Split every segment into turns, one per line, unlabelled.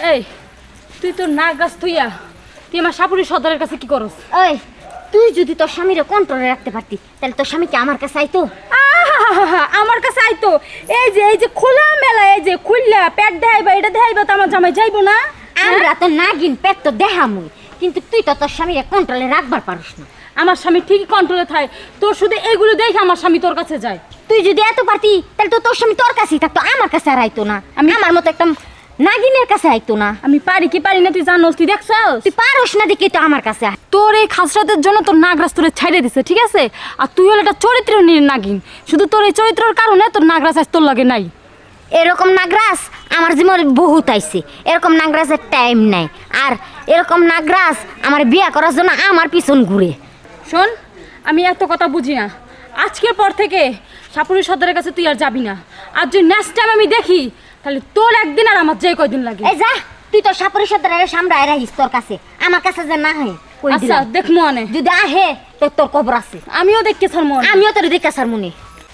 এই তুই তোর নাক গাছ থুইয়া তুই আমার সাপুরি সর্দারের কাছে কি করস?
ওই তুই যদি তোর স্বামীরে কন্ট্রোলে রাখতে পারতি তাহলে তোর স্বামী কি আমার কাছে আইতো?
আমার কাছে আইতো। এই যে খোলা মেলা, এই যে খুললা পেট দেখাইবা, এটা দেখাইবা তো আমার জামাই যাইবো না?
আমরা তো নাগিন পেট তো দেখামুই, কিন্তু তুই তো তোর স্বামীরে কন্ট্রোলে রাখবার পারিস না।
আমার স্বামী ঠিকই কন্ট্রোলে থাকে, তোর শুধু এগুলো দেখে আমার স্বামী তোর কাছে যায়।
তুই যদি এত পারতি তাহলে তো তোর স্বামী তোর কাছেই থাকতো, আমার কাছে আর আইতো না। আমি আমার মতো একটা নাগিনের কাছে আইতো না।
আমি পারি কি পারি না তুই জানোস, তুই দেখছস?
তুই পারস না দেখি তো আমার কাছে আয়।
তোর এই খাসরাতের জন্য তোর নাগরাজ তোরে ছাইড়ে দিছে, ঠিক আছে? আর তুই হলো একটা চরিত্র নিয়ে নাগিন, শুধু তোর এই চরিত্রের কারণে তোর নাগরাজ আজ তোর লাগে নাই।
এরকম নাগরাজ আমার জীবনে বহুত আইছে, এরকম নাগরাজের টাইম নাই। আর এরকম নাগরাজ আমার বিয়া করার জন্য আমার পিছন ঘুরে।
শোন, আমি এত কথা বুঝি না। আজকের পর থেকে সাপুরি সর্দারের কাছে তুই আর যাবি না। আর যদি নেক্সট টাইম আমি দেখি তাহলে তোর একদিন আর আমার যে কয়দিন লাগে।
এই যা, তুই তো সাপুরি সর্দারের সামনে আয় রাখিস তোর কাছে, আমার কাছে যে না হয়।
আচ্ছা দেখমু আনে,
যদি আহে তো তোর কবর আছে।
আমিও দেখতে ছাড় মনে,
আমিও তোর দেখে স্যার মনে।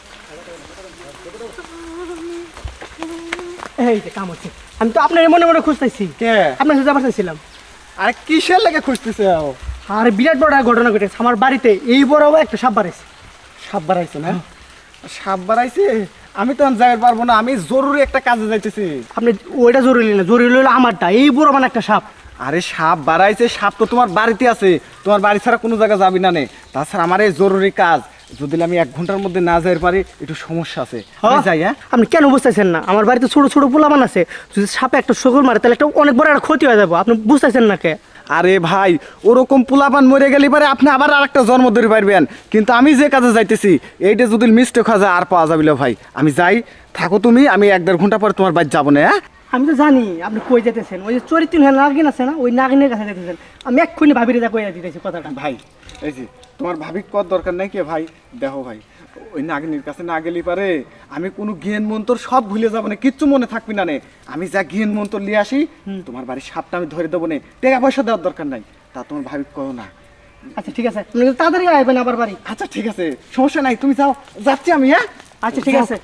এই যে কাম হচ্ছে, আমি তো আপনার মনে মনে খুঁজতেছি।
কে?
আপনার সাথে যাবার চাইছিলাম।
আরে কিসের লাগে খুঁজতেছে?
আর বিরাট বড় একটা ঘটনা ঘটেছে আমার বাড়িতে। এই বড় একটা সাপ বাড়াইছে।
সাপ বাড়াইছে না? সাপ বাড়াইছে? আমি তো যাইতে পারবো না, আমি জরুরি একটা কাজে যাইতেছি।
আপনি ওইটা জরুরি না, জরুরি হলো আমারটা। এই বড় মানে একটা সাপ।
আরে সাপ বাড়াইছে, সাপ তো তোমার বাড়িতে আছে, তোমার বাড়ি ছাড়া কোনো জায়গা যাবি না নে। তাছাড়া আমার এই জরুরি কাজ, যদি আমি 1 ঘন্টার মধ্যে না যাইতে পারি একটু সমস্যা আছে। আমি যাই। হ্যাঁ,
আপনি কেন বুঝতেছেন না? আমার বাড়িতে ছোট ছোট পোলামান আছে, যদি সাপে একটা শকুর মারে তাহলে একটা অনেক বড় একটা ক্ষতি হয়ে যাবো। আপনি বুঝতেছেন না কে?
আরে ভাই, ওরকম পোলাপান মরে গেলে পারে আপনি আবার আরেকটা জন্ম ধরে পারবেন, কিন্তু আমি যে কাজে যাইতেছি এইটা যদি মিস্টেক হয়ে যায় আর পাওয়া যাবে না ভাই। আমি যাই, থাকো তুমি, আমি 1-1.5 ঘন্টা পরে তোমার বাড়ি যাবো না। হ্যাঁ,
আমি তো জানি আপনি কই যেতেছেন। ওই যে চরিত্রহীন নাগিন আছে না, ওই নাগিনের কাছে যেতেছেন। আমি এক্ষুনি ভাবিরে যা কইয়া দিতেছি কথাটা।
ভাই এই যে তোমার ভাবি কত দরকার নাই কে ভাই, দেখো ভাই, ওই নাগিনীর কাছে না গেলে পারে আমি কোনো জ্ঞান মন্তর সব ভুলে যাবো না, কিচ্ছু মনে থাকবি না নে। আমি যা জ্ঞান মন্তর নিয়ে আসি, তোমার বাড়ির সাপটা আমি ধরে দেবো না, টাকা পয়সা দেওয়ার দরকার নাই, তা তোমার ভাবি কও না।
আচ্ছা ঠিক আছে, আপনি তাড়াতাড়ি আসবেন আবার বাড়ি।
আচ্ছা ঠিক আছে, সমস্যা নাই, তুমি যাও, যাচ্ছি আমি। হ্যাঁ,
আচ্ছা ঠিক আছে।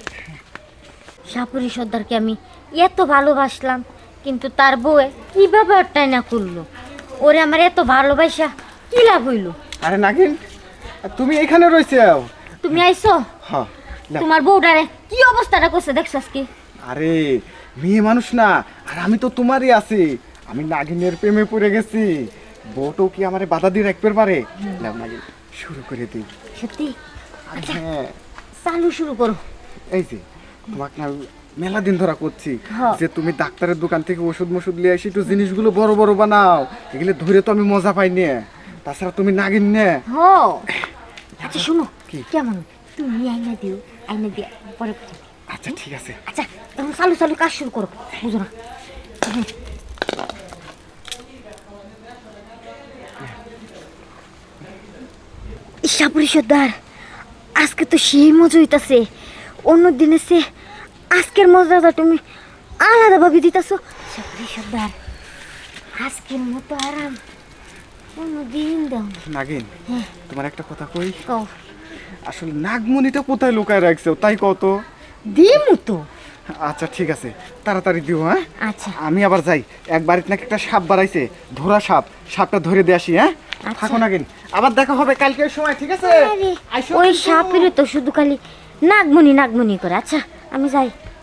সাপুরি সর্দারকে আমি এত ভালোবাসলাম, কিন্তু তার বউ কিভাবে অট্টাই না করলো। ওরে আমার এত ভালোবাসা কি লাভ হইলো?
আরে নাগিন, তুমি এখানে রয়েছে?
তুমি আইছো,
হ্যাঁ,
তোমার বউটারে কি অবস্থাটা করছে দেখছস কি?
আরে মেয়ে মানুষ না, আর আমি তো তোমারই আছি, আমি নাগিনের প্রেমে পড়ে গেছি। বউটো কি আমারে বাধা দিয়ে রাখতে পারে? নাও নাগিন, শুরু করে দিই।
সত্যি? আচ্ছা
হ্যাঁ,
চালু শুরু করো।
এই যে তোমাকে না মেলা দিন ধরা করছি
হ্যাঁ।
যে তুমি ডাক্তারের দোকান থেকে ওষুধ মষুধ নিয়ে আসি, একটু জিনিসগুলো বড় বড় বানাও, এগুলো ধরে তো আমি মজা পাই নে। তাছাড়া তুমি নাগিন নে।
হো আচ্ছা শুনো,
কি?
কেমন তুমি আইনা দিও, আইনা দিয়া পরে কথা।
আচ্ছা ঠিক আছে।
আচ্ছা এখন চালু চালু কাজ শুরু করো, বুঝো না? সাপুরি সর্দার, আজকে তো সেই মজা হইতাছে। অন্য দিনে সে আজকের মজাটা তুমি আলাদাভাবে দিতেছো। সাপুরি সর্দার, আজকের মতো আরাম অন্য দিন দাও না।
নাগিন, তোমার একটা কথা কই,
কও।
আসলে নাগমণিটা কোথায় লুকায় রাখছো তাই কত?
দিমু তো।
আচ্ছা ঠিক আছে, তাড়াতাড়ি দিও। হ্যাঁ,
আচ্ছা
আমি আবার যাই, এক বাড়িতে নাকি একটা সাপ বাড়াইছে, ধরা সাপ, সাপটা ধরে দিয়ে আসি। হ্যাঁ,
আচ্ছা।
থাকো নাগিন, আবার দেখা হবে কালকের সময়, ঠিক আছে?
আরে,
আইসো
ওই
কিন্তু।
সাপের তো শুধু খালি নাগমণি নাগমণি করে। আচ্ছা আমি যাই।